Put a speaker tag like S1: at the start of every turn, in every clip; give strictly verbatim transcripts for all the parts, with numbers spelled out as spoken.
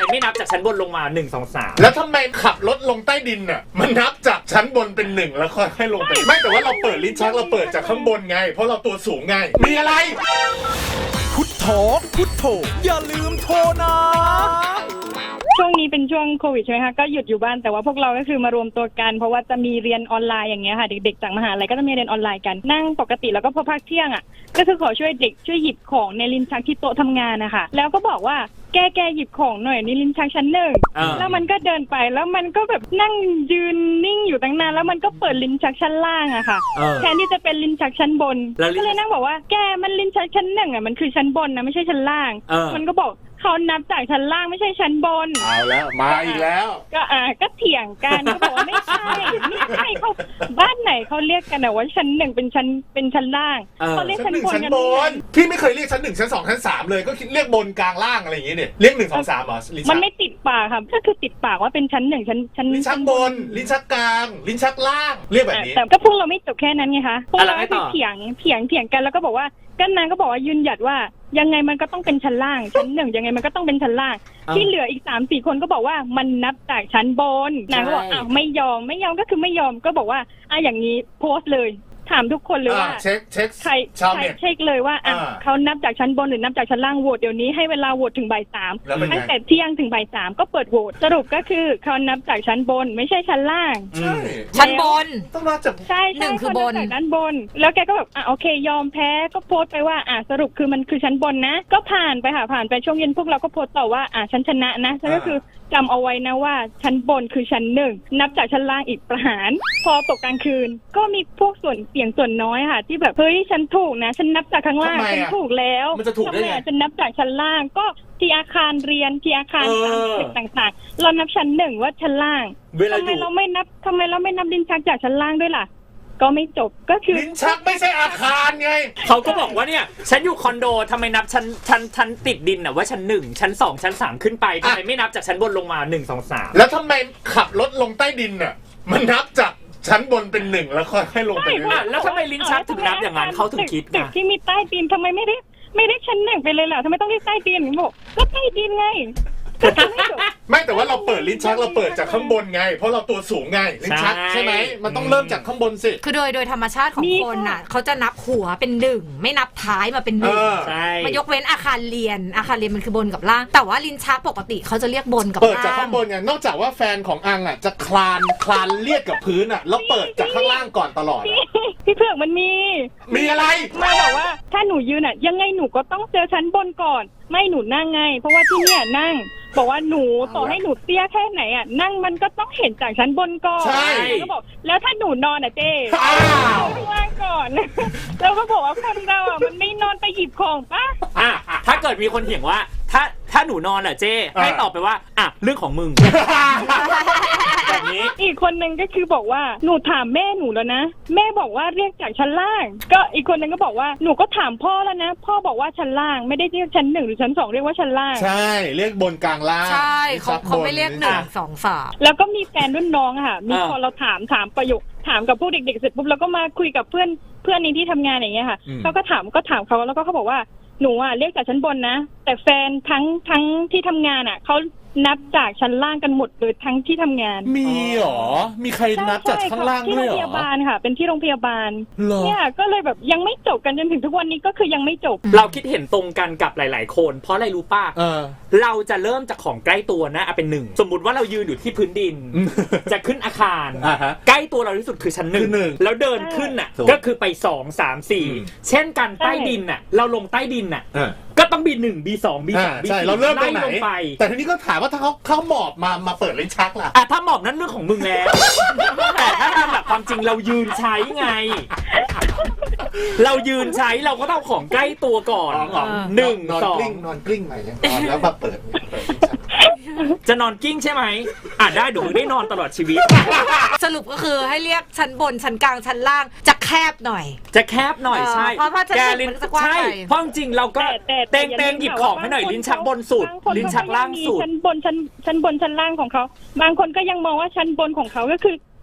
S1: ไม่นับจากชั้นบนลงมาหนึ่ง สอง สาม
S2: แล้วทำไมขับรถลงใต้ดินน่ะมันนับจากชั้นบนเป็นหนึ่งแล้วค่อยให้ลงไปไม่แต่ว่าเราเปิดลิ้นชักเราเปิดจากข้างบนไงเพราะเราตัวสูงไงมีอะไร
S3: พุทโธพุทโธอย่าลืมโทรนะ
S4: ช่วงนี้เป็นช่วงโควิดใช่ไหมคะก็หยุดอยู่บ้านแต่ว่าพวกเราก็คือมารวมตัวกันเพราะว่าจะมีเรียนออนไลน์อย่างเงี้ยค่ะเด็กๆจากมหาลัยก็จะมีเรียนออนไลน์กันนั่งปกติแล้วก็พอพักเที่ยงอ่ะก็คือขอช่วยเด็กช่วยหยิบของในลิ้นชักที่โต๊ะทำงานนะคะแล้วก็บอกว่าแกแกหยิบของหน่อยนี่ลิ้นชักชั้นหนึ่งแล้วมันก็เดินไปแล้วมันก็แบบนั่งยืนนิ่งอยู่ตั้งนานแล้วมันก็เปิดลิ้นชักชั้นล่างอะค่ะแทนที่จะเป็นลิ้นชักชั้นบนก็เลยนั่งบอกว่าแกมันลิ้นชักชั้นหนึ่งอะมันคือชั้นบนนะไม่ใช่ชั้นล่างมันก็บอกเขานับจากชั้นล่างไม่ใช่ชั้นบน
S2: เอาแล้วมาอีกแล้ว
S4: ก็อ่าก็เถียงกันก็บอกว่าไม่ใช่ไม่ใช่เขาบ้านไหนเขาเรียกกันนะว่าชั้นหนึ่งเป็นชั้นเป็นชั้นล่างเขาเรียกชั้นบนกัน
S2: พี่ไม่เคยเรียกชั้นหนึ่งชั้นสองชั้นสามเลยก็คิดเรียกบนกลางล่างอะไรอย่างงี้เนี่ยเรียกหนึ่งสองสามเหรอ
S4: มันไม่ติดปากครับก็คือติดปากว่าเป็นชั้นหนึ่งชั้นชั้น
S2: ลิ้นชักบนลิ้นชักกลางลิ้นชักล่างเรียกแบบนี้
S4: แต่ก็พวกเราไม่จบแค่นั้นไงคะพวกเราก็เถียงเถียงเถียงกันแล้วก็บอกว่าก็นางก็บอกว่ายืนหยัดว่ายังไงมันก็ต้องเป็นชั้นล่างชั้นหนึ่งยังไงมันก็ต้องเป็นชั้นล่างที่เหลืออีกสามสี่คนก็บอกว่ามันนับจากชั้นบนนางก็บอกอ้าวไม่ยอมไม่ยอมก็คือไม่ยอมก็บอกว่าอ่ะอย่างนี้โพสต์เลยถามทุกคนเลยว่า
S2: เช็คเช็ค
S4: ใครใครเช็คเลยว่าอ่ะเขานับจากชั้นบนหรือนับจากชั้นล่างโหวตเดี๋ยวนี้ให้เวลาโหวตถึงบ่ายสามตั้งแต่เที่ยงถึงบ่ายสามก็เปิดโหวตสรุปก็คือเขานับจากชั้นบนไม่ใช่ชั้นล่าง
S5: ชั้นบน
S2: ต้องนับจาก
S4: ใช่หนึ่งคือบนจากด้านบนแล้วแกก็แบบอ่ะโอเคยอมแพ้ก็โพสต์ไปว่าอ่ะสรุปคือมันคือชั้นบนนะก็ผ่านไปค่ะผ่านไปช่วงเย็นพวกเราก็โพสต์ต่อว่าอ่ะฉันชนะนะฉันก็คือจำเอาไว้นะว่าชั้นบนคือชั้นหนึ่งนับจากชั้นล่างอีกประหารพอตกกลางคืนก็มีพวกส่วนเสียงส่วนน้อยค่ะที่แบบเฮ้ยฉันถูกนะฉันนับจากข้างล่างฉันถูกแล้ว
S2: มันจะถูกได้ไง
S4: ฉันนับจากชั้นล่างก็ที่อาคารเรียนที่อาคารตึกต่างๆเรานับชั้นหนึ่งว่าชั้นล่างทำไมเราไม่นับทำไมเราไม่นับลิ้นชักจากชั้นล่างด้วยล่ะก็ไม่จบก็คือ
S2: ลิ้นชักไม่ใช่อาคารไง
S1: เขาก็บอกว่าเนี่ยฉันอยู่คอนโดทำไมนับชั้นชั้นชั้นติดดินน่ะว่าชั้นหนึ่งชั้นสองชั้นสามขึ้นไปทำไมไม่นับจากชั้นบนลงมาหนึ่ง สอง สาม
S2: แล้วทำไมขับรถลงใต้ดินน่ะมันนับจากชั้นบนเป็นหนึ่งแล้วค่อยให้ลงไป
S1: อ่ะแล้วทำไมลิ้นชักถึงนับอย่างนั้นเขาถึงคิด
S4: ตึกที่มีใต้ดินทำไมไม่ได้ไม่ได้ชั้นหนึ่งไปเลยล่ะทำไมต้องเรียกใต้ดินบอกก็ใต้ดินไง
S2: ไม่แต่ว่าเราเปิดลิ้นชักเราเปิดจากข้างบนไงเพราะเราตัวสูงไงลิ้นชักใช่ไหมมันต้องเริ่มจากข้างบนสิ
S5: คือโดยโดยธรรมชาติของคนน่ะเขาจะนับหัวเป็นหนึ่งไม่นับท้ายมาเป็นหนึ่งมายกเว้นอาคารเรียนอาคารเรียนมันคือบนกับล่างแต่ว่าลิ้นชักปกติเขาจะเรียกบนกับล่าง
S2: เปิดจากข้างบนไงนอกจากว่าแฟนของอังอ่ะจะคลานคลานเลียดกับพื้นอ่ะแล้วเปิดจากข้างล่างก่อนตลอด
S4: พี่เผือกมันมี
S2: มีอะไร
S4: มาบอกว่าถ้าหนูยืนอ่ะยังไงหนูก็ต้องเจอชั้นบนก่อนไม่หนูนั่งไงเพราะว่าที่เนี่ยนั่งบอกว่าหนูต่อให้หนูเตี้ยแค่ไหนอ่ะนั่งมันก็ต้องเห็นจากชั้นบนก่อน
S2: ใช่
S4: ก็บอกแล้วถ้าหนูนอนอ่ะเจ๊ข้างล่างก่อนแล้วก็บอกว่าคนเราอ่ะมันไม่นอนไปหยิบของป่ะ
S1: อ่ะถ้าเกิดมีคนเถียงว่าถ้าถ้าหนูนอนอ่ะเจ๊ให้ตอบไปว่าอ่ะเรื่องของมึงแบบนี้
S4: อีกคนนึงก็คือบอกว่าหนูถามแม่หนูแล้วนะแม่บอกว่าเรียกจากชั้นล่างก็อีกคนนึงก็บอกว่าหนูก็ถามพ่อแล้วนะพ่อบอกว่าชั้นล่างไม่ได้เรียกชั้นหนึ่งหรือชั้นสองเรียกว่าชั้นล่าง
S2: ใช่เรียกบนกลางล่าง
S5: ใช่เขาเขาไม่เรียกหนึ่งสองสาม
S4: แล้วก็มีแฟนรุ่นน้องค่ะมีพอเราถามถามประโยคถามกับพวกเด็กๆเสร็จปุ๊บแล้วก็มาคุยกับเพื่อนเพื่อนในที่ทำงานอย่างเงี้ยค่ะเขาก็ถามก็ถามเขาแล้วก็เขาบอกว่าหนูอ่ะเรียกจากชั้นบนนะแต่แฟนทั้งทั้งที่ทำงานอ่ะเขานับจากชั้นล่างกันหมดเลยทั้งที่ทำงาน
S2: มีหรอมีใครนับจากข้างล่างด้วยหรอ
S4: ที่โรงพยาบาลค่ะเป็นที่โรงพยาบาลเนี่ยก็เลยแบบยังไม่จบกันจนถึงทุกวันนี้ก็คือยังไม่จบ
S1: เราคิดเห็นตรงกันกับหลายๆคนเพราะอะไรรู้ป่ะเราจะเริ่มจากของใกล้ตัวนะเอาเป็นหนึ่งสมมุติว่าเรายืนอยู่ที่พื้นดินจะขึ้นอาคารใกล้ตัวเราที่สุดคือชั้นหนึ่งแล้วเดินขึ้นอ่ะก็คือไปสองสามสี่เช่นกันใต้ดินอ่ะเราลงใต้ดินอ่ะก็ต้องบีหนึ่งบีสองบีสามบีสี่
S2: เราเริ่มตรงไหนแต่ทีนี้ก็ถามว่าถ้าเขาเขาหมอบมามาเปิดลิ้นชักล่ะ
S1: อ่ะถ้าหมอบนั่นเรื่องของมึงแล้วแต่ถ้าทำแบบความจริงเรายืนใช้ไงเรายืนใช้เราก็ต้องของใกล้ตัวก่อนหนึ่งสอง
S2: นอนกลิ้งใหม่แล้วมาเปิด
S1: จะนอนกิ้งใช่ไหมอ่ะได้เดี๋ยวมึงได้นอนตลอดชีวิต
S5: สรุปก็คือให้เรียกชั้นบนชั้นกลางชั้นล่างจะแคบหน่อย
S1: จะแคบหน่อยใช่
S5: เพราะว่าชั้นบนจะกว้างใช่
S1: เพราะจริงเราก็เตงเตงหยิบของให้หน่อยลิ้นชักบนสุดลิ้นชักล่างสุด
S4: ชั้นบนชั้นชั้นบนชั้นล่างของเขาบางคนก็ยังมองว่าชั้นบนของเขาก็คือ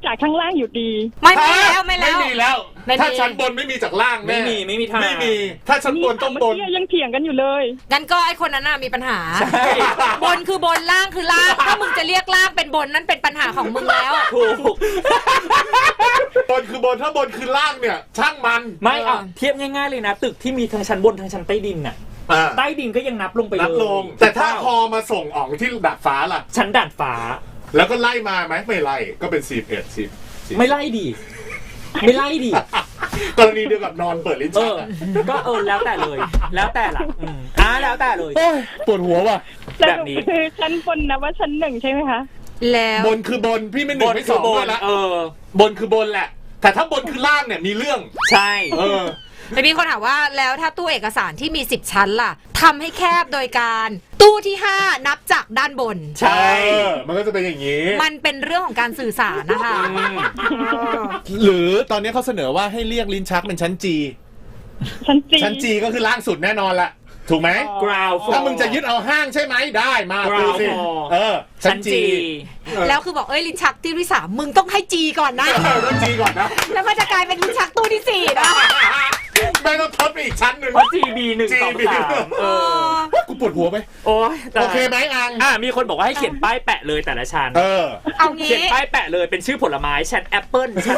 S4: จากข้างล่างอยู่ดี
S5: ไม่ไม่แล้วไม่แล้ว
S2: ไม่มีแล้ว
S5: ไม่มี
S2: ถ้าชั้นบนไม่มีจากล่างแน่
S1: ไม่มีไม่มีทาง
S2: ไม่มี ถ้าชั้นบนต้องบน
S4: เมื่อกี้ยังเถียงกันอยู่เลย
S5: งั้นก็ไอคนนั้นน่ะมีปัญหา
S1: ใช่
S5: บนคือบนล่างคือล่าง ถ้ามึงจะเรียกล่างเป็นบนนั่นเป็นปัญหาของมึงแล้ว
S1: ถูก
S2: บนคือบนถ้าบนคือล่างเนี่ย ช่างมัน
S1: ไม่อ่ะเทียบง่ายๆเลยนะ ตึกที่มีทั้งชั้นบนทั้งชั้นใต้ดินน่ะ
S2: อ่า
S1: ใต้ดินก็ยังนับลงไปเลย
S2: นับลง แต่ถ้าพอมาส่งอ่องที่ดาดฟ้าล่ะ
S1: ชั้นด่านฟ้า
S2: แล้วก็ไล่มาไหมไม่ไล่ก็เป็นสี่เอ็ดสิบ
S1: ไม่ไล่ดิไม่ไล่ดิ
S2: กรณีเดียวกับนอนเปิดลิ้น
S1: เอ
S2: ชัก
S1: อ
S2: อะ
S1: ก็เออแล้วแต่เลย แล้วแต่ละอืมอ่าแล้วแต่เลย
S2: โอ้ยปวดหัวว่ะ
S4: ส
S1: แบ
S4: รุ
S1: บ
S4: ป
S1: นี้
S4: คือชั้นบนนะว่าชั้นหนึ่งใช่ไหมคะ
S5: แล้ว
S2: บนคือบนพี่ไม่หนึ่
S1: บ
S2: ง
S1: น
S2: ไม่
S1: คื
S2: ส
S1: อ
S2: อง
S1: บ
S2: ด้วย
S1: น
S2: ละ
S1: เออ
S2: บนคือบนแหละ แต่ถ้าบนคือล่างเนี่ยมีเรื่อง
S1: ใช่
S2: เออ
S5: แต่มีคนถามว่าแล้วถ้าตู้เอกสารที่มีสิบชั้นล่ะทำให้แคบโดยการตู้ที่ห้านับจากด้านบน
S1: ใช่
S2: เออ มันก็จะเป็นอย่างนี้
S5: มันเป็นเรื่องของการสื่อสารนะคะ
S2: หรือตอนนี้เขาเสนอว่าให้เรียกลิ้นชักเป็นชั้น G
S4: ชั้นจี
S2: ชั้น G ก็คือล่างสุดแน่นอนละถูกไหม
S1: กราว
S2: ถ้ามึงจะยึดเอาห้างใช่ไหมได้มา
S1: Ground
S2: ดูสิ
S1: floor
S2: เออ ชั้
S1: ชั้
S2: น
S1: น
S2: G
S1: จี
S5: แล้วคือบอกเอ้ยลิ้นชักที่ที่สามมึงต้องให้จีก่อนนะ
S2: เออต้อง G ก่อนนะ
S5: แล้วมันจะกลายเป็นลิ้นชักตู้ที่สี่นะ
S2: ไม่ต้องทดไปอีกชั้นหนึ่ง
S1: เพราะ จี บี หนึ่ง สอง
S2: จี
S1: สามเออ
S2: กูปวดหัวไหม
S1: โอ้ยแต่
S2: โอเคไหมอัง
S1: อ่ะมีคนบอกว่าให้เขียนป้ายแปะเลยแต่ละชั้น
S2: เออ
S5: เอา
S1: เขียน
S5: งี้
S1: ป้ายแปะเลยเป็นชื่อผลไม้ชั้นแอปเปิ้ลชั้น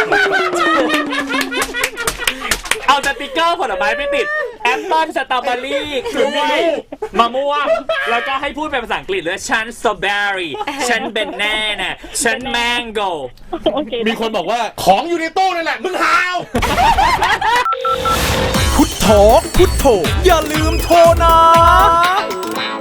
S1: เอาสติกเกอร์ผลไม้ไปติดแอปเปิ้ลสตรอเบอรี่กล้วยมะม่วงแล้วก็ให้พูดเป็นภาษาอังกฤษเลยชั้นสตรอเบอรี่ชั้นเบนแน่น่ะชั้นแมงโก
S4: โอเค
S2: มีคนบอกว่าของอยู่ในตู้นั่นแหละ มึงหาว
S3: พุทโธพุทโธอย่าลืมโทรนะ